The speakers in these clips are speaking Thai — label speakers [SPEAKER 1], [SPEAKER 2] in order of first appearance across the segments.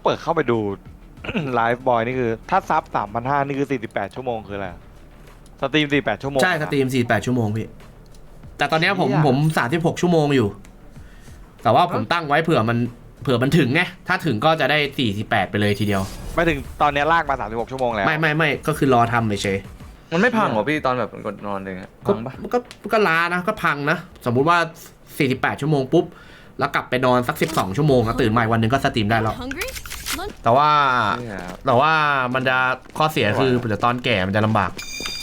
[SPEAKER 1] เปิดเข้าไปดูไลฟ์บอยนี่คือถ้าซับ3,500นี่คือ48ชั่วโมงคืออะไรสตรีม48ชั่วโมง
[SPEAKER 2] ใช่สตรีม48ชั่วโมงพี่แต่ตอนนี้ผม36ชั่วโมงอยู่แต่ว่าผมตั้งไว้เผื่อมันถึงไงถ้าถึงก็จะได้48ไปเลยทีเดียว
[SPEAKER 1] ไม่ถึงตอนนี้ลากมา36ชั่วโมงแล้ว
[SPEAKER 2] ไม่ก็คือรอทำเฉย
[SPEAKER 3] มันไม่พังเหรอพี่ตอนแบบกดนอนเลยพังปะ
[SPEAKER 2] ก็ล้านะก็พังนะสมมุติว่า48ชั่วโมงปุ๊บแล้วกลับไปนอนสัก12ชั่วโมงแล้วตื่นใหม่วันหนึ่งก็สตรีมได้แล้วแต่ว่ามันจะข้อเสียคือเดี๋ยวตอนแก่มันจะลำบาก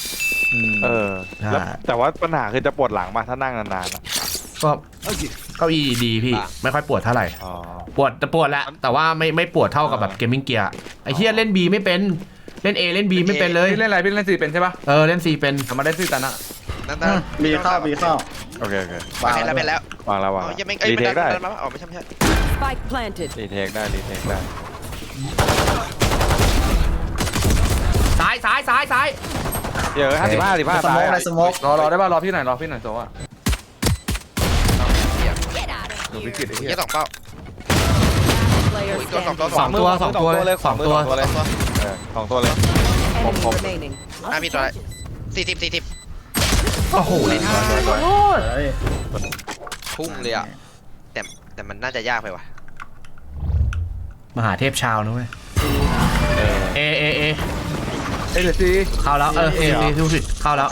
[SPEAKER 1] แล้วแต่ว่าปัญหาคือจะปวดหลังมาถ้านั่งนานๆ
[SPEAKER 2] ก็เก้าอี้ดีพี่ไม่ค่อยปวดเท่าไหร่ปวดแหละแต่ว่าไม่ปวดเท่ากับแบบเกมมิ่งเกียร์ไอ้เหี้ยเล่น B ไม่เป็นเล่น A เล่น B ไม่เป็นเลย
[SPEAKER 3] เล่นอะไรพี่เล่นซีเป็นใช่ปะ
[SPEAKER 2] เล่น C เป็น
[SPEAKER 3] มาได้ซีตันอะ
[SPEAKER 4] มีเข้า
[SPEAKER 1] โอเค
[SPEAKER 5] วางแล้ว
[SPEAKER 1] วางแล้ว
[SPEAKER 5] ยังไม่รีเทคได้ไม่ใช่
[SPEAKER 1] รีเทคได้
[SPEAKER 2] ซ้าย
[SPEAKER 1] เดี๋ยว55
[SPEAKER 4] สโมกในสโมก
[SPEAKER 3] รอได้ป่ะรอพี่หน่อยโซ่อะดูวิกฤตไอ้เหี้ย
[SPEAKER 5] สองเป้า
[SPEAKER 2] สองตัวเลย
[SPEAKER 1] 2ตัวเลยผม
[SPEAKER 5] มีตัว40
[SPEAKER 2] โอ้โห
[SPEAKER 5] พุ่งเลยอ่ะแต่มันน่าจะยากไปว่ะ
[SPEAKER 2] มหาเทพชาวนะเว้ยเอ
[SPEAKER 3] เดี๋ยวซี
[SPEAKER 2] เข้าแล้วดูสิเข้าแล้ว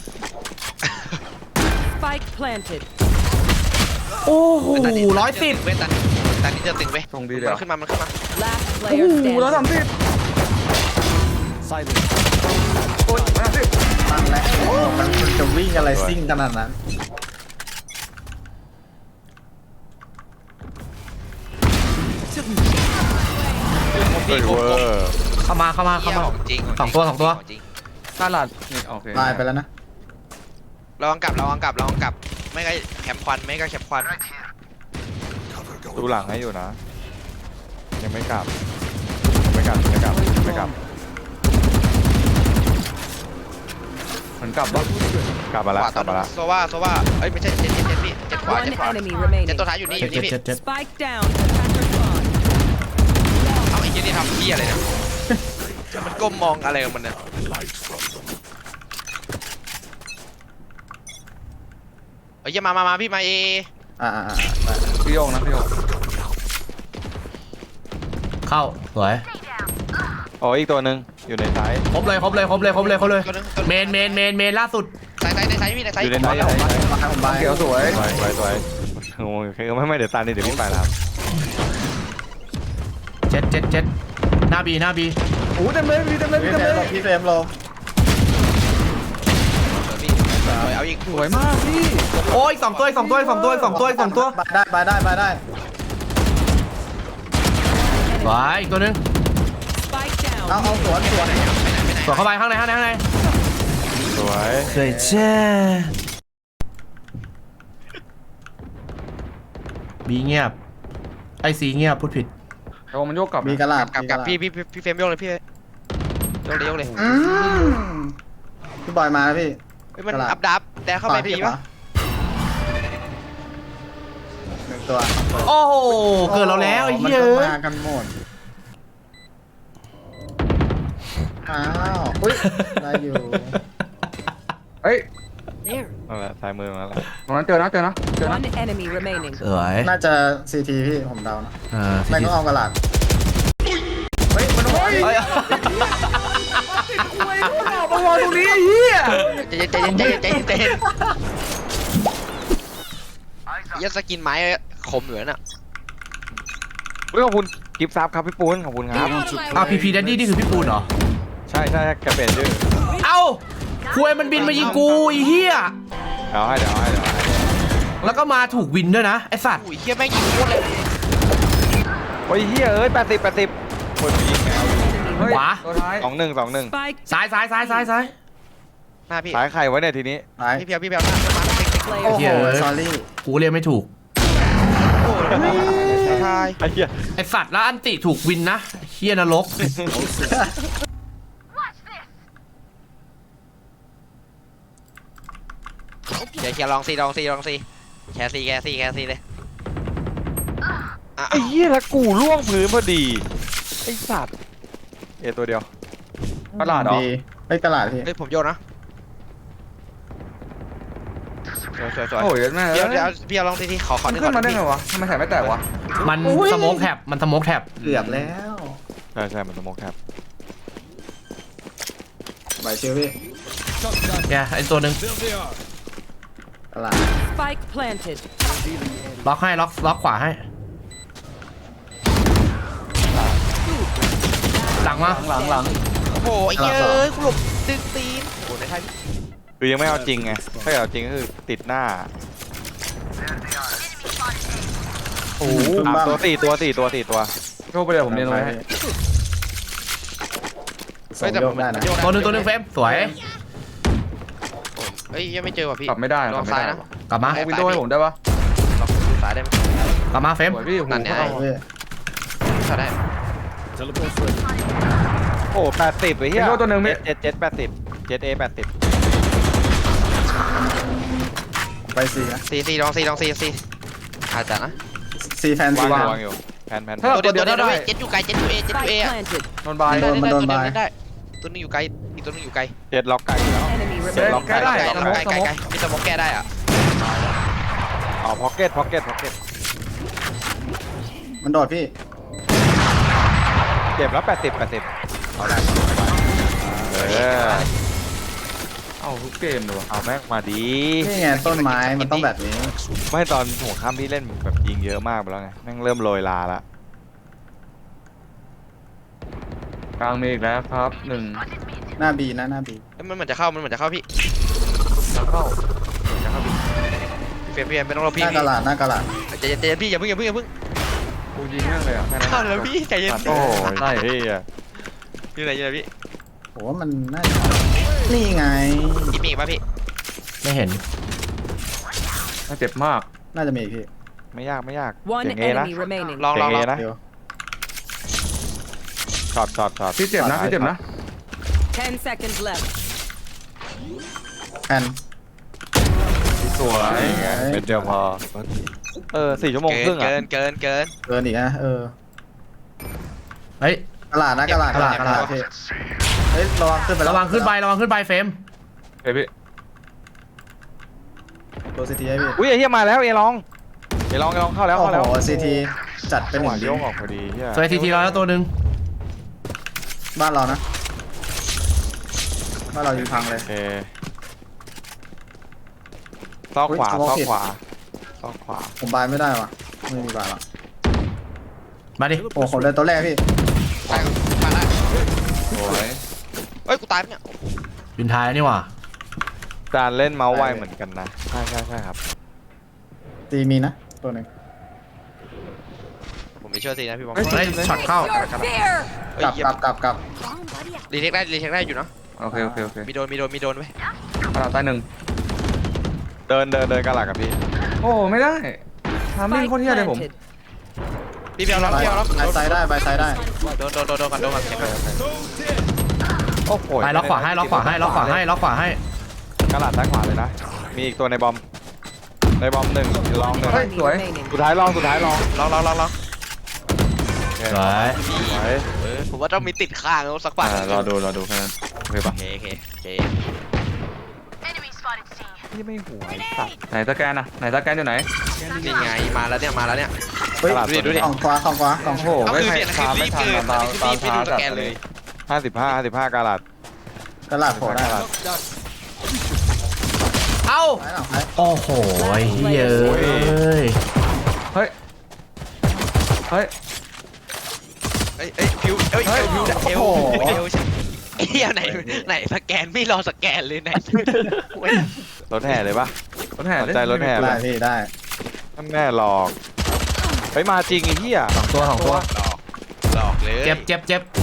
[SPEAKER 2] โอ้โห110
[SPEAKER 5] เว้ยตอนนี้จะตึงเว้ย
[SPEAKER 3] ส่งดีเลย
[SPEAKER 5] มันขึ้นมา
[SPEAKER 3] โอ้โห130โอ้ย130
[SPEAKER 4] ตั้งแล้วมันจะวิ่งอะไรซิ่งขนาดนั้น
[SPEAKER 2] เข้ามา
[SPEAKER 5] จริง
[SPEAKER 2] สองตัว
[SPEAKER 3] ตลาดนี่โอเค
[SPEAKER 4] ตายไปแล้วนะ
[SPEAKER 5] ระวังกลับไม่ก็แคมควัน
[SPEAKER 1] ดูหลังให้อยู่นะยังไม่กลับ
[SPEAKER 3] มันกลับปะ
[SPEAKER 1] กลับมาแล้ว
[SPEAKER 5] โซว่าเอ้ยไม่ใช่เจ็ดพี่เจ็ดขวาเจ็ดตัวท้ายอยู่นี่พี่เอาไอ้ยี่นี่ทำพี่อะไรเนี่ยมันก้มมองอะไรของมันเนี่ยเอ้ยมาพี่มา
[SPEAKER 3] พี่โยงนะพี่โยง
[SPEAKER 2] เข้าสวย
[SPEAKER 1] อ๋ออีกตัวหนึ่งอยู่ในซ้าย
[SPEAKER 2] ครบเลยเมนล่าสุด
[SPEAKER 5] ในซ้ายพี่ในซ้าย
[SPEAKER 1] อยู่ในซ้าย
[SPEAKER 3] เขียวสวย
[SPEAKER 1] โอ้ยไม่เดี๋ยวตานี่เดี๋ยวพี่ไปแล้ว
[SPEAKER 2] เจ็ดหน้าบี
[SPEAKER 3] โอ้เต็มเลย
[SPEAKER 4] พี่เฟรมลง
[SPEAKER 5] เอาอีก
[SPEAKER 3] สวยมากพี่
[SPEAKER 2] โอ้ย2ตัว
[SPEAKER 4] บายได้
[SPEAKER 2] ไว้อีกตัวนึง
[SPEAKER 4] เอาสวน
[SPEAKER 2] เข้าไปข้างใน
[SPEAKER 1] สวย
[SPEAKER 2] เจ้บีเงียบไอซีเงียบพูดผิด
[SPEAKER 3] โอ้มันโยกกลับ
[SPEAKER 4] มีกระลาบ
[SPEAKER 5] กับพี่เฟรมโยกเลยพี่โยกเลย
[SPEAKER 4] พี่บอยมาแล้วพี่
[SPEAKER 5] มันอัพดับแต่เข้าไปดีปะ
[SPEAKER 4] 1ตัว
[SPEAKER 2] โอ้โหเกิดเราแล้วไอ้เหี้ย
[SPEAKER 4] มากันหมดอ้าวอุ้ยได้อยู่
[SPEAKER 3] เฮ้ย
[SPEAKER 1] นั่นแหละซ้ายมือมาแล้ว
[SPEAKER 3] ตรงนั้นเจอนะ
[SPEAKER 4] น่าจะ CT พี่ผมเดานะไม่ต้องเอากระลาบ
[SPEAKER 3] เฮ้ยมันโอ้ยมาวางตรงนี้ไอ้เหี้ย
[SPEAKER 5] ใจยัดสกินไม้คมเหลือน่ะ
[SPEAKER 1] ขอบคุณกิฟต์ซับครับพี่ปูนขอบคุณครับ
[SPEAKER 2] พีแดดดี้นี่คือพี่ปูนเหรอ
[SPEAKER 1] ใช่แกเปลี่ยนชื่อ
[SPEAKER 2] เอ้าคุยมันบินมายิงกูไอ้เหี้ย
[SPEAKER 1] เดี๋ยวให้
[SPEAKER 2] แล้วก็มาถูกวินด้วยนะไอ้สัตว์
[SPEAKER 5] เหี้ยแม่งยิงโคตรเลย
[SPEAKER 1] โอ้ยเหี้ย80คนยิงแมว
[SPEAKER 2] ขวา
[SPEAKER 1] 2-1
[SPEAKER 2] ซ้าย
[SPEAKER 5] หน้าพี่
[SPEAKER 1] ซ้ายใครไว้เนี่ยทีนี้
[SPEAKER 5] พี่เพียว
[SPEAKER 4] โอ้โหซอรี่
[SPEAKER 2] กูเรียกไม่ถูกไอ้สัตว์แล้วอันติถูกวินนะเหี้ยนรก
[SPEAKER 5] เดี๋ยวลองซีแคสซีเลยอ่ะ
[SPEAKER 1] ไอ้เหี้ยแล้วกูล่วงพื้นพอดีไอ้สัตว์ตัวเดียว
[SPEAKER 3] ตลาดเหรอ
[SPEAKER 4] ดีเฮ้ยกระลาดพี่
[SPEAKER 5] เฮ้ยผมโยนนะสวย
[SPEAKER 3] โอ้ยแม่
[SPEAKER 5] เดี๋ยวพี่เอาลองทีขอ
[SPEAKER 3] มัน
[SPEAKER 5] หนึ่ง
[SPEAKER 3] ขึ้นมาได้
[SPEAKER 5] พี่
[SPEAKER 3] ไงวะทำไมแถบไม่แตกวะ
[SPEAKER 2] มันสโมกแท็บมันสโมกแท็บ
[SPEAKER 4] เกือบแล้ว
[SPEAKER 1] ใช่มันสโมกแคป
[SPEAKER 4] ใบเชียวพี่
[SPEAKER 2] เนี่ยไอตัวหนึ่ง
[SPEAKER 4] กระลาด
[SPEAKER 6] Spike planted.
[SPEAKER 2] ล็อกให้ล็อกขวาให้หลังมา
[SPEAKER 3] หลัง
[SPEAKER 5] โอ้โหไอ้เหี้ยเอ้ยกูหลบดึงตีนโอ้โหในไทย
[SPEAKER 1] คือยังไม่เอาจริงไงถ้าเอาจริงก็คือติดหน้า
[SPEAKER 4] โอ้โห
[SPEAKER 1] ตัวสี่ตัว
[SPEAKER 3] โชคไปเลยผมเรียนตรงนี้ให้
[SPEAKER 4] ส่งโยกได้นะ
[SPEAKER 2] ตัวหนึ่งเฟรมสวย
[SPEAKER 5] เฮ้ยยังไม่เจอว่ะพี่
[SPEAKER 3] กลับไม่ได้
[SPEAKER 5] ลองซ้ายนะ
[SPEAKER 2] กลับมา
[SPEAKER 3] วินโดว์ให้ผมได้ปะ
[SPEAKER 5] ลองซ้ายได้ไหม
[SPEAKER 2] กลับมาเฟรม
[SPEAKER 3] สวยพี่โอ้โห
[SPEAKER 5] นั่นไง
[SPEAKER 4] เอาพี่
[SPEAKER 5] ซ้ายได้
[SPEAKER 1] โอ้80ไอ้เหี้ย
[SPEAKER 3] วินโดว์ตัวหนึ่งพี่
[SPEAKER 1] เจ็ด80 7A 80
[SPEAKER 4] ใบซีนะ
[SPEAKER 5] ซีลองซีอาจจะนะ
[SPEAKER 4] ซีแฟนซี
[SPEAKER 1] วาง
[SPEAKER 4] วาง
[SPEAKER 1] อยู่แพน
[SPEAKER 3] ถ้าเรา
[SPEAKER 5] ตั
[SPEAKER 3] ตัว ว
[SPEAKER 5] เดี
[SPEAKER 3] เดี
[SPEAKER 5] ย
[SPEAKER 3] ยว ว
[SPEAKER 5] ได้
[SPEAKER 3] ได้
[SPEAKER 5] เจ็ดอยู่ไกลเจ็ดอยู่เอ
[SPEAKER 6] Spike planted.
[SPEAKER 3] นอนบาย
[SPEAKER 4] โดนมันโดนบาย
[SPEAKER 5] ได้ตัวนึงอยู่ไกลอีกตัวนึงอยู่ไกล
[SPEAKER 1] เจ็ดล็อกไก่อยู่แล้ว
[SPEAKER 6] Enemy
[SPEAKER 3] เฮ้ย
[SPEAKER 6] remaining.
[SPEAKER 3] ใกล้ได้
[SPEAKER 5] ไกล
[SPEAKER 3] สมองสมอง
[SPEAKER 5] มีสมองแก้ได้อ่ะ
[SPEAKER 1] อ๋อพ็อกเก็ต
[SPEAKER 4] มันโดดพี่
[SPEAKER 1] เจ็บแล้ว80เอาได้
[SPEAKER 3] เอาทุกเกมเลยวะ
[SPEAKER 1] เอาแม่งมาดี
[SPEAKER 4] นี่ไงต้นไม้มันต้องแบบนี้
[SPEAKER 1] ไม่ตอนหัวข้ามพี่เล่นแบบยิงเยอะมากไปแล้วไงแม่งเริ่มโรยลาละ
[SPEAKER 3] กลางมีอีกแล้วครับหนึ่ง
[SPEAKER 4] หน้าบีนะหน้าบี
[SPEAKER 5] มันเหมือนจะเข้าพี่
[SPEAKER 3] แล้วเข้า
[SPEAKER 5] เฟียไม่ต้องรอ
[SPEAKER 4] ห
[SPEAKER 5] พี่
[SPEAKER 4] น้ากระลาดหน้ากระลาด
[SPEAKER 5] ใจเย็นพี่อย่าเพิ่ง
[SPEAKER 3] กูยิงแม่งเลยอ่ะแค่นั้น
[SPEAKER 5] เข้าแล้วพี่ใจเย็น
[SPEAKER 1] โอ้
[SPEAKER 3] ใช่
[SPEAKER 1] ยเฮีย
[SPEAKER 5] อยู่ไหนพี่
[SPEAKER 4] โหมันน่าจะนี่ไง
[SPEAKER 5] อีมีอีกป่ะพี่
[SPEAKER 2] ไม่เห็น
[SPEAKER 3] น่าเจ็บมาก
[SPEAKER 4] น่าจะมีอีกพี่
[SPEAKER 1] ไม่ยาก
[SPEAKER 6] One
[SPEAKER 1] เสียงเอนะ
[SPEAKER 6] enemy remaining.
[SPEAKER 5] ลอง
[SPEAKER 1] เสียงเอนะ
[SPEAKER 4] เดี๋ยว
[SPEAKER 1] ช็อต
[SPEAKER 3] พี่เจ็บนะพี่เจ็บนะ
[SPEAKER 6] 10 seconds left.
[SPEAKER 4] แฟน
[SPEAKER 3] สวย
[SPEAKER 1] เป็นเดียวพอ4 ชั่วโมงครึ่งอ่ะ
[SPEAKER 5] เกิน
[SPEAKER 4] เกินอีกนะ
[SPEAKER 2] เฮ้ย
[SPEAKER 4] กระลาดนะกระลาดพี่เฮ้ยระวังขึ้นไประ
[SPEAKER 2] วังขึ้นไปเฟรม
[SPEAKER 3] เฮ้ยพี่
[SPEAKER 4] ตัวซีทีให้พี่
[SPEAKER 1] อุ้ยไอ้เฮียมาแล้วเอลองเข้าแล้ว
[SPEAKER 4] โอ้โหซีทีจัดเป็น
[SPEAKER 1] จัง
[SPEAKER 4] ห
[SPEAKER 1] ห
[SPEAKER 4] นึ่
[SPEAKER 1] วะ
[SPEAKER 4] ง
[SPEAKER 1] โยกออกพอดีเฮีย
[SPEAKER 2] สวยทีแล้วตัวหนึ่ง
[SPEAKER 4] บ้านเรานะบ้านเรายิงพังเลย
[SPEAKER 1] โอเคซอกขวา
[SPEAKER 4] ผมบายไม่ได้ว่ะไม่มีบายหรอก
[SPEAKER 2] มาดิ
[SPEAKER 4] โอ้ผมเดินตัวแรกพี่
[SPEAKER 5] ตายได้
[SPEAKER 3] สวย
[SPEAKER 5] เฮ้ยกูตายเนี่ย
[SPEAKER 2] ยืนท้ายนี่หว่า
[SPEAKER 1] จานเล่นเมาส์ไวเหมือนกันนะใช่ครับ
[SPEAKER 4] ตีมีนะตัวหนึ่ง
[SPEAKER 5] ผมไม่เชื่อสินะพี่บอม
[SPEAKER 2] เฮ้ยช็อตเข้า
[SPEAKER 6] Your fear.
[SPEAKER 4] กลับ
[SPEAKER 5] รีเทคได้อยู่เนาะ
[SPEAKER 3] โอเค
[SPEAKER 5] มีโดนไว้
[SPEAKER 3] กระดาษใต้หนึ่ง
[SPEAKER 1] เดินกระหลักกับพี่
[SPEAKER 3] โอ้ไม่ได้ทำไม่
[SPEAKER 6] Spike
[SPEAKER 3] โคตรเที่ยเลยผม
[SPEAKER 6] planted.
[SPEAKER 5] พี่เบียร์ล็อก
[SPEAKER 4] บายไซด์ได้บายไซด์ได้
[SPEAKER 5] โดนกันเก็บไป
[SPEAKER 1] โอ้โห
[SPEAKER 2] ไปล็อกขวาให้ก
[SPEAKER 1] ระหลักด้านขวาเลยนะมีอีกตัวในบอมหนึ่งลองหนึ่ง
[SPEAKER 3] เฮ้ย
[SPEAKER 6] Enemy
[SPEAKER 3] สวย
[SPEAKER 6] remaining.
[SPEAKER 1] สุดท้ายลอง
[SPEAKER 5] ล็อก
[SPEAKER 2] สวย
[SPEAKER 1] สวย
[SPEAKER 5] ผมว่าต้องมีติดข้างแล้วสักปัด
[SPEAKER 3] รอดูแค่นั้นโอเคปะ
[SPEAKER 5] โอเค
[SPEAKER 1] ที่ไม่หัวไอ้สัตว์
[SPEAKER 3] ไหนสแกนอยู่ไหน
[SPEAKER 5] นี่ไงมาแล้วเนี่ย
[SPEAKER 4] เฮ้ย
[SPEAKER 5] ดูดิ
[SPEAKER 4] กล่องขวากล่อง
[SPEAKER 3] โอ้โห
[SPEAKER 5] ก็
[SPEAKER 3] ไม่
[SPEAKER 5] คือ
[SPEAKER 3] ใคร
[SPEAKER 5] เปลี่ยนคื
[SPEAKER 3] ตา
[SPEAKER 5] อ
[SPEAKER 3] ม
[SPEAKER 5] รี
[SPEAKER 3] ไม่
[SPEAKER 5] บ
[SPEAKER 3] ทัน
[SPEAKER 5] เกิน
[SPEAKER 3] ตาม
[SPEAKER 5] รีบไม่ดูสแกนเลย
[SPEAKER 1] 55กระหลัด
[SPEAKER 4] กระลาดโผล่ได้
[SPEAKER 1] กระหลัด
[SPEAKER 2] เอ้า
[SPEAKER 4] ซ้ายหลังซ้าย
[SPEAKER 2] โอ้โหเฮ้ย
[SPEAKER 3] เฮ้ย
[SPEAKER 5] เอ้ยพิวเอวเฮียไหนสแกนไม่รอสแกนเลยไหน
[SPEAKER 1] รถแห่เลยปะ
[SPEAKER 3] รถแห่
[SPEAKER 1] สนใจรถแห่
[SPEAKER 4] ได้พี่ได้
[SPEAKER 1] แม่หลอกไปมาจริงไอ้เหี้ย
[SPEAKER 2] สองตัว
[SPEAKER 5] หลอกเลย
[SPEAKER 2] เจ็บ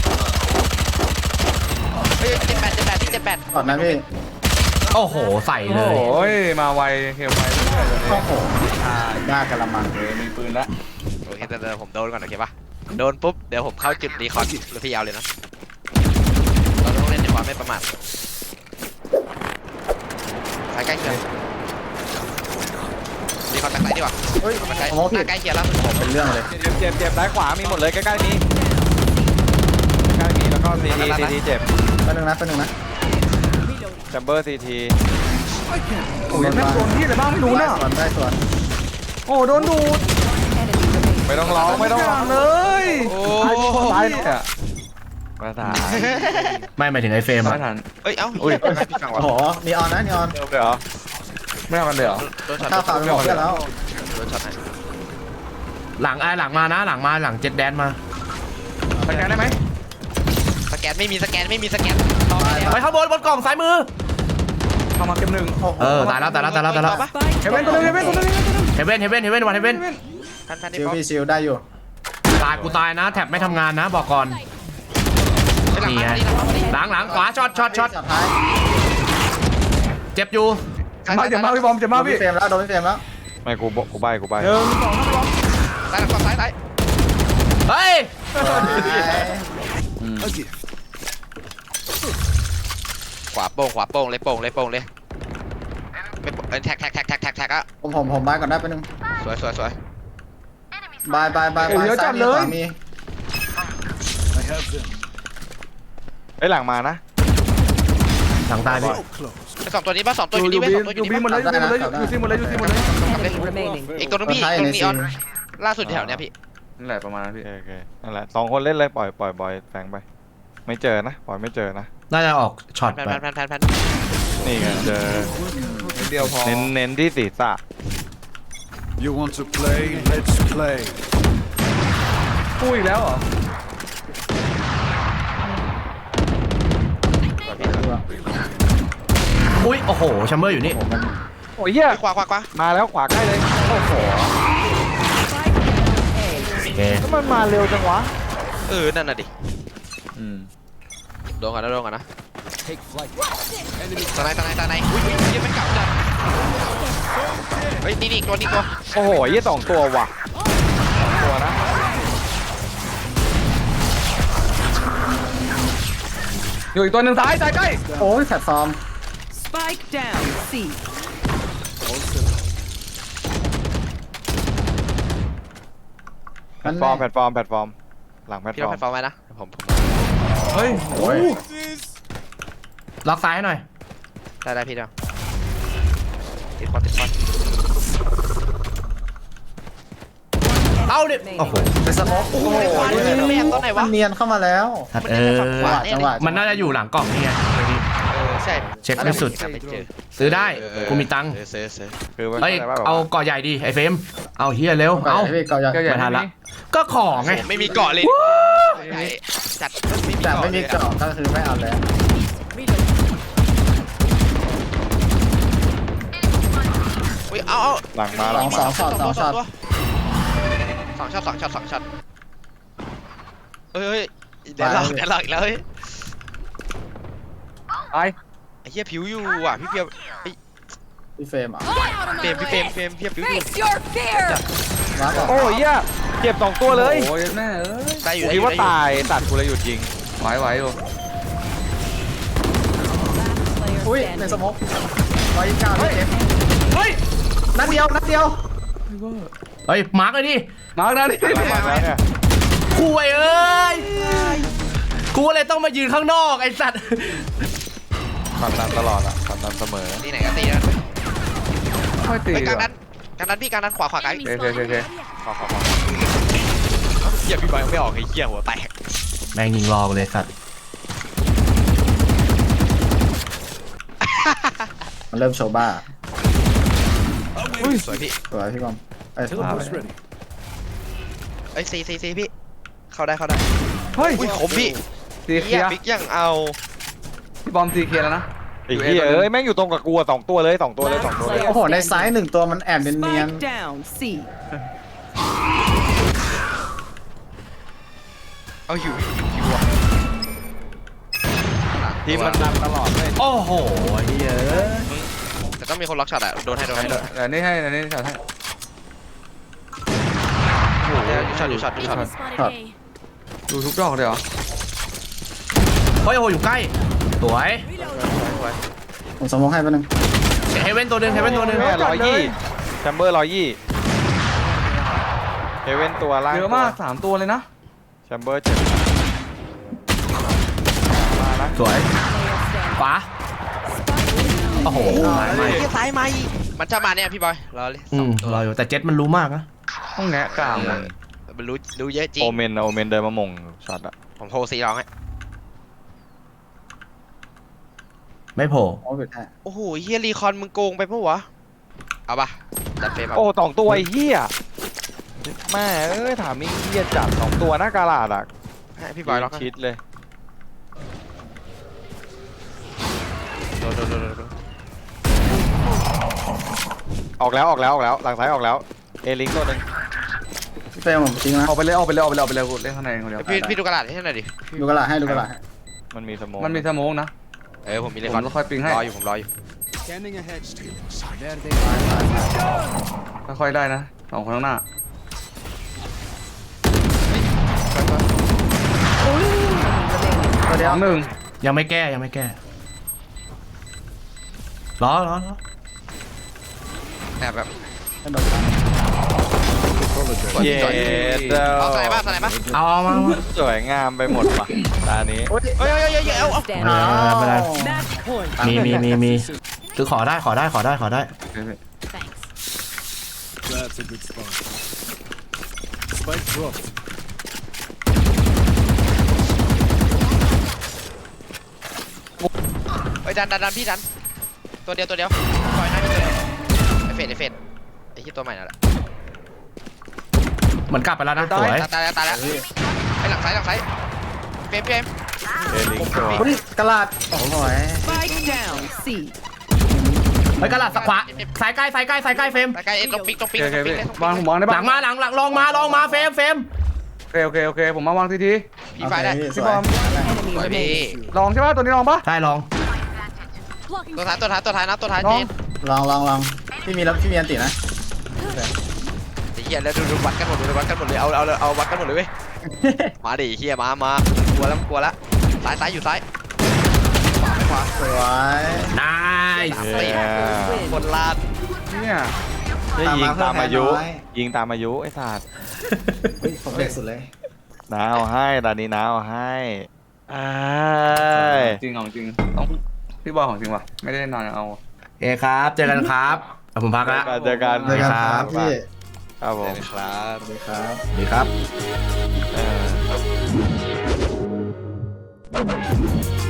[SPEAKER 5] เฮ้ยเจ็ดแปด
[SPEAKER 4] ก่อนนะพี่
[SPEAKER 2] โอ้โหใส่เล
[SPEAKER 3] โอ้
[SPEAKER 2] ย
[SPEAKER 3] โหมาไวเฮลไวเรื่อยๆเลย
[SPEAKER 4] โอ้โหหน้ากระมัง
[SPEAKER 3] มีปืนแล้ว
[SPEAKER 5] โอเคแต่ผมโดนก่อนโอเคปะโดนปุ๊บเดี๋ยวผมเข้าจุดรีคอร์ดแล้วพี่เอาเลยนะเราต้องเล่นในความไม่ประมาทสายใกล้เคียงรีคอนแบ็คไซด์ดีกว่า
[SPEAKER 4] เฮ้ย
[SPEAKER 5] มันใกล้
[SPEAKER 4] ผมว่าผิด
[SPEAKER 5] ใกล้เคียงแล้ว
[SPEAKER 4] เป็นเรื่องเลย
[SPEAKER 1] เจ็บซ้ายขวามีหมดเลยใกล้ๆมีใกล้ๆมีแล้วก็ซีทีเจ็บ
[SPEAKER 4] แป๊บนึงนะ
[SPEAKER 1] แชมเบอร์ซีที
[SPEAKER 3] โอ้ยแม่งโดนที่อะไรบ้างไม่รู้นะ
[SPEAKER 4] ได้ส่วน
[SPEAKER 3] โอ้โดนดูด
[SPEAKER 1] ไม่ต้องร้องไม่ต้องร้อง
[SPEAKER 3] เลย
[SPEAKER 5] โอ้
[SPEAKER 3] ตายเนี่ย
[SPEAKER 1] มาถาม
[SPEAKER 2] ไม่หมายถึงไอ้เฟรม
[SPEAKER 3] ไม่
[SPEAKER 2] อะ
[SPEAKER 3] ทัน
[SPEAKER 5] เอ้ยเอ้า
[SPEAKER 1] อุ้ย
[SPEAKER 5] พี่ฟัง
[SPEAKER 4] โอ้
[SPEAKER 5] วะ
[SPEAKER 4] โหนีออนนะนีออน
[SPEAKER 1] เริ่มเลยเหรอ
[SPEAKER 3] ไม่เอากันเลยเหรอ
[SPEAKER 5] โดนช็อต
[SPEAKER 4] ข้าวขาวไปหมดเพื่อนแล้ว
[SPEAKER 5] โดนช็อตไหน
[SPEAKER 2] หลังมานะหลังเจ็ดแดนมา
[SPEAKER 3] สแกนได้ไหม
[SPEAKER 5] สแกนไม่มีสแกนรอไปแล้ว
[SPEAKER 2] ไปข้างบนกล่องซ้ายมือ
[SPEAKER 3] เข้ามาเก็บหนึ่ง
[SPEAKER 2] ตายแล้ว
[SPEAKER 6] Spike
[SPEAKER 3] เฮเว่นตัวนึงเฮเว่นตัวนึง
[SPEAKER 2] เฮเว่นวันเฮเว่น
[SPEAKER 5] ท่านที่
[SPEAKER 4] ชิล
[SPEAKER 5] ป๊อป
[SPEAKER 4] พี่ชิลได้อยู่
[SPEAKER 2] กูตายนะแท็บไม่ทำงานนะบอกก่อนนี่ไงหลังขวาช็อต
[SPEAKER 4] สุดท้าย
[SPEAKER 2] เจ็บอยู่
[SPEAKER 3] เจ็บมากพี่บอมเจ็บ
[SPEAKER 4] โด
[SPEAKER 3] มาก
[SPEAKER 4] น
[SPEAKER 3] พี่
[SPEAKER 4] พี่เฟรมแล้วโดนพี่เฟรมแล้ว
[SPEAKER 1] ไม่กูใบ
[SPEAKER 3] 1 2 3พี่บอม
[SPEAKER 5] ซ้ายก่อนซ้าย
[SPEAKER 2] เฮ้ย
[SPEAKER 5] ขวาโป่งเลยไม่แท็กอะ
[SPEAKER 4] ผมบายก่อนได้แป๊บนึง
[SPEAKER 5] สวย
[SPEAKER 4] บายซ้ายมีขวามี
[SPEAKER 1] ไอ้หลังมานะ
[SPEAKER 2] หลังตายดิ
[SPEAKER 5] สองตัวนี้ป่ะสองตัวอยู่
[SPEAKER 3] อยู่
[SPEAKER 5] นี่
[SPEAKER 3] บี
[SPEAKER 5] ป่ะ
[SPEAKER 3] อยู่บีหมดเลยอยู่ซีหมดเลยอยู่ซีหมดเลย
[SPEAKER 6] enemy remaining.
[SPEAKER 5] อีกตัวนึงพี่ตัวนี้ออนล่าสุดแถวเนี้ยพี่
[SPEAKER 3] นั่นแหละประมาณนั้นพี่
[SPEAKER 1] โอเคนั่นแหละ2 คนเล่นเลยปล่อยบอยแฝงไปไม่เจอนะปล่อยไม่เจอนะ
[SPEAKER 2] น่าจะออกช็อต
[SPEAKER 5] แพ
[SPEAKER 2] ไป
[SPEAKER 5] น
[SPEAKER 1] นี่ไงเจอ
[SPEAKER 3] นิดเดียวพอ
[SPEAKER 1] เน้นที่ศีรษะ
[SPEAKER 7] You want to play? Let's play.
[SPEAKER 3] กู้อีกแล้วเหรอ
[SPEAKER 2] อุ้ยโอ้โหแชมเบอร์อยู่นี่
[SPEAKER 1] โอ้ยเหี้ย
[SPEAKER 5] ขวา
[SPEAKER 1] มาแล้วขวาใกล้เลยโอ้โห
[SPEAKER 2] โอเค
[SPEAKER 1] แล้วมันมาเร็วจังวะ
[SPEAKER 5] นั่นน่ะดิ
[SPEAKER 3] อืม
[SPEAKER 5] โดนกันนะตาไหนอุ้ยยังไม่เก่าจัดเฮ้ยนี่ตัว
[SPEAKER 1] โอ้โหยี่2 ตัวว่ะ2 ตัวนะ
[SPEAKER 3] อยู่อีกตัวหนึ่งซ้ายใกล้
[SPEAKER 4] โอ้ยแพลตฟอร์ม
[SPEAKER 6] Spike down. C.
[SPEAKER 1] แพลตฟอร์มหลังแพลต
[SPEAKER 5] พี่
[SPEAKER 1] ฟ
[SPEAKER 5] ต้
[SPEAKER 1] อ
[SPEAKER 5] อง
[SPEAKER 1] ร์ม
[SPEAKER 5] แพลตฟอร์มไว้นะผม
[SPEAKER 3] เฮ้ย
[SPEAKER 4] โอ้ย
[SPEAKER 2] ล็อกซ้ายให้หน่อย
[SPEAKER 5] ได้พี่เดียวติดคอน
[SPEAKER 2] เอาดิโอ้โห
[SPEAKER 4] เป็นสโมกโอ้โห
[SPEAKER 5] ไม่แอบตัวไหนวะ
[SPEAKER 4] มันเนียนเข้ามาแล้ว
[SPEAKER 2] ทัด
[SPEAKER 4] จังหวะ
[SPEAKER 2] มันน่าจะอยู่หลังกล่องนี่ไง
[SPEAKER 5] ใช่
[SPEAKER 2] เช็คไม่สุด ซื้อได้กูมีตังค์
[SPEAKER 5] ซื้อ
[SPEAKER 1] คือมัน
[SPEAKER 2] เอ้ย
[SPEAKER 1] ข้ใจว่าแบบ
[SPEAKER 2] เอา
[SPEAKER 1] ว่า
[SPEAKER 2] เกาะใหญ่ดิไอ้เฟรมเอาเฮียเร็วเอา
[SPEAKER 4] พี่เกาใหญ่
[SPEAKER 3] เจ้าใหญ่
[SPEAKER 2] ไม่ทันละก็ของไง
[SPEAKER 5] ไม่มีเกาะเลยจัดไม่มี
[SPEAKER 4] แต่
[SPEAKER 5] เกาะ
[SPEAKER 4] ไม่มีเกาะก็คือไม่เอาแล้ว
[SPEAKER 5] อุ้ยเอา
[SPEAKER 1] หลังมา
[SPEAKER 4] สองช็อต
[SPEAKER 5] 2 ช็อตเฮ้ยเดี๋ยวหลอกอีกแล้วเฮ้ย
[SPEAKER 3] ไป
[SPEAKER 5] ไอ้เหี้ยผิวอยู่อ่ะพี่เพียว
[SPEAKER 4] พี่เฟรมอ่ะ
[SPEAKER 5] พี่เพียวผิวอยู่
[SPEAKER 6] Face your fear.
[SPEAKER 4] มาบอก
[SPEAKER 1] โอ้ยเหี้ยเจ็บ2 ตัวเลย
[SPEAKER 3] โอ้ยแม่เอ้ย
[SPEAKER 5] ได้อยู่
[SPEAKER 1] กูคิดว่าตายตัดกูเลยหยุดยิง
[SPEAKER 3] ไหวอยู่
[SPEAKER 4] อุ้ยเป็นสโมก129พี่เจฟ
[SPEAKER 3] เฮ้ย
[SPEAKER 4] นัดเดียว
[SPEAKER 2] เฮ้ยมาร์กเลยดิ
[SPEAKER 3] มาร์กนะนี่
[SPEAKER 1] มาแล้วเนี่ย
[SPEAKER 2] คุยเอ้ยกูเลยต้องมายืนข้างนอกไอ้สัตว์
[SPEAKER 1] ขับดันตลอดอ่ะขับดันเสมอ
[SPEAKER 5] ที่ไหนก็ตีนะ
[SPEAKER 3] ค่อยตี
[SPEAKER 5] ไปกลาง
[SPEAKER 3] ว่ะ
[SPEAKER 5] นั้นพี่กลางนั้นขวาไกล
[SPEAKER 3] โอเค
[SPEAKER 5] ขวาเหี้ยพี่บอยไม่ออกไอ้เหี้ยหัวแตก
[SPEAKER 2] แม่งยิงรอกูเลยสัตว์
[SPEAKER 4] มันเริ่มโชว์บ้า
[SPEAKER 5] สวยพี่
[SPEAKER 4] สวยพี่บอมไอ้สุด
[SPEAKER 7] Teleport's ready.
[SPEAKER 5] เอ้ยซีพี่เข้าได้
[SPEAKER 3] เฮ้ย
[SPEAKER 5] อุ้ยขมพี่
[SPEAKER 3] ตีเคลี
[SPEAKER 5] เหี้ย
[SPEAKER 3] ยร์
[SPEAKER 5] บิ๊กยังเอา
[SPEAKER 3] พี่บอมตีเคลียร์แล้วนะ
[SPEAKER 1] ไอ้เหี้ยเอ้ยแม่งอยู่ตรงกับกูอะ2 ตัวเลย2 ตัวเลย2 ตัวเลย
[SPEAKER 4] โอ้โหในซ้าย1ตัวมันแอบเนียน
[SPEAKER 6] Spike down. C.
[SPEAKER 5] เอาหิวอ่ะ
[SPEAKER 1] ทีมมันดันตลอดเลย
[SPEAKER 2] โอ้โหเฮีย
[SPEAKER 5] แต่ต้องมีคนล็อกช็อตอ่ะโดนให้
[SPEAKER 3] เดี๋ยวนี่ให้ช็อตให้
[SPEAKER 5] ช็อต
[SPEAKER 3] ดูทุกดอกเลยเหรอ
[SPEAKER 2] เฮ้ยโอ้โหอยู่ใกล้สวย
[SPEAKER 4] ๆผมสโมกให้แป๊บนึง
[SPEAKER 2] เฮเว่นตัวหนึง
[SPEAKER 1] แม่120 ชมเบอร์120เฮเว่นตัวล่าง
[SPEAKER 3] เยอะมาก3ตัวเลยนะ
[SPEAKER 1] แชมเบอร์7มานะ
[SPEAKER 2] สวยขวาโอ้โห
[SPEAKER 5] ไม่ซ้ายไม่มันจะมาเนี่ยพี่บอยรอเลย
[SPEAKER 2] อื
[SPEAKER 5] สอง
[SPEAKER 2] ม
[SPEAKER 5] ตัว
[SPEAKER 2] รออยู่แต่เจ็ตมันรู้มากนะ
[SPEAKER 3] ต้องแงะกลางเลย
[SPEAKER 5] มันรู้เยอะจริง
[SPEAKER 1] โอเมนเดินมามงช็อตอะ
[SPEAKER 5] ผมโทรซีร้องให้
[SPEAKER 2] ไม่โผล่
[SPEAKER 4] โอ้ยแท้
[SPEAKER 5] โอ้โหเฮียรีคอนมึงโกงไปปะวะเอาปะจัดเฟรม
[SPEAKER 1] โอ้2ตัวไอ้เหี้ยแม่เอ้ยถามมีเหี้ยจัด2ตัวหน้ากาลาดอะ
[SPEAKER 5] ให้พี่บอยร้องให้
[SPEAKER 1] ชิดเลย
[SPEAKER 5] โดน
[SPEAKER 1] ออกแล้วหลังซ้ายออกแล้วเอลิงตัวหนึง
[SPEAKER 4] พี่เฟรมผมทิ้งนะ
[SPEAKER 3] เอาไปเลยเล่นข้างในคนเดียว
[SPEAKER 5] พี่ดูกระดาษให้หน่อยดิ
[SPEAKER 4] ดูกระดาษให้ดูกระดาษให้
[SPEAKER 1] มันมีสโมอง
[SPEAKER 3] มันมีสโมกนะ
[SPEAKER 5] ผมมีเล
[SPEAKER 3] ผ
[SPEAKER 5] คอน
[SPEAKER 3] มค่อยปิงให้
[SPEAKER 5] รออยู่ผมรออยู่
[SPEAKER 7] Scanning ahead. There
[SPEAKER 3] ค่อยๆได้นะ2คนข้างหน้า
[SPEAKER 4] ตัวเดียว
[SPEAKER 3] 2-1
[SPEAKER 2] ยังไม่แก้รอ
[SPEAKER 5] แอบแบบ
[SPEAKER 4] ให้โดนกัน
[SPEAKER 1] เย้
[SPEAKER 5] เอาสไนบ้า
[SPEAKER 2] เอามา
[SPEAKER 1] สวยงามไปหมดว่ะตานี้
[SPEAKER 4] โอ้ย
[SPEAKER 5] เฮ้ยเอา
[SPEAKER 6] Standing.
[SPEAKER 2] ไม่เป็นไร
[SPEAKER 6] Match point.
[SPEAKER 2] มีคือขอได้
[SPEAKER 3] โอเค
[SPEAKER 7] That's a good spot. Spike dropped.
[SPEAKER 5] ดันพี่ดันตัวเดียวปล่อยหน้าพี่ตัวเดียวไอเฟดไอที่ตัวใหม่นั่นแหละ
[SPEAKER 2] เหมือนกลับไปแล้วนะสวย
[SPEAKER 5] ตายแล้วไอหลังซ้ายเฟรม
[SPEAKER 1] เอลิงตัว
[SPEAKER 4] โอ้ยกระดาษโอ้ย
[SPEAKER 6] Spike down. C.
[SPEAKER 2] ไปกระหลัดสักขวาสายใกล้เฟรม
[SPEAKER 5] ตะไกลต้องปิ๊ก
[SPEAKER 3] โอเคพี่วางผมวางได้
[SPEAKER 2] หลั
[SPEAKER 3] ปะ
[SPEAKER 2] งมาลองมาเฟรม
[SPEAKER 3] โอเคผมมาวางที
[SPEAKER 5] พี่ไฟได้
[SPEAKER 4] พี่
[SPEAKER 3] พี่บอม
[SPEAKER 6] Enemy
[SPEAKER 5] สวยพี่
[SPEAKER 6] remaining.
[SPEAKER 3] ลองใช่ปะตัวนี้ลองปะ
[SPEAKER 2] ได้ลอง
[SPEAKER 5] ตัวท้ายนะตัวท้าย
[SPEAKER 3] ล
[SPEAKER 5] เจ
[SPEAKER 3] อง
[SPEAKER 5] น
[SPEAKER 4] ลองพี่มีอันตินะ
[SPEAKER 5] ไอ้เหี้ยแล้วดูวัดกันหมดเลยเอาวัดกันหมดเลยเว้ยมาดิเหี้ยมากลัวแล้วซ้ายอยู่ซ้ายขวา
[SPEAKER 4] สวย
[SPEAKER 2] นาย
[SPEAKER 5] คนลาด
[SPEAKER 3] เนี่ย
[SPEAKER 1] นี่ยิงตามอายุ
[SPEAKER 4] ตามมาเพื่อแพ้น้อย
[SPEAKER 1] ยิงตามอายุไอ้สัตว์
[SPEAKER 4] เฮ้ยผมเด็กสุดเลย
[SPEAKER 1] น้าเอาให้ตอนนี้น้าเอาให้อ้าย
[SPEAKER 3] จริงต้องพี่บอยของจริงว่ะไม่ได้นอนเอา
[SPEAKER 2] เอครับเจอกันครับผมพักละ
[SPEAKER 1] เจอกัน
[SPEAKER 4] เจอกันครับพี่
[SPEAKER 1] ครับผม
[SPEAKER 5] ครับ
[SPEAKER 4] สวัสดีครับ
[SPEAKER 2] ดีครับ
[SPEAKER 1] เออ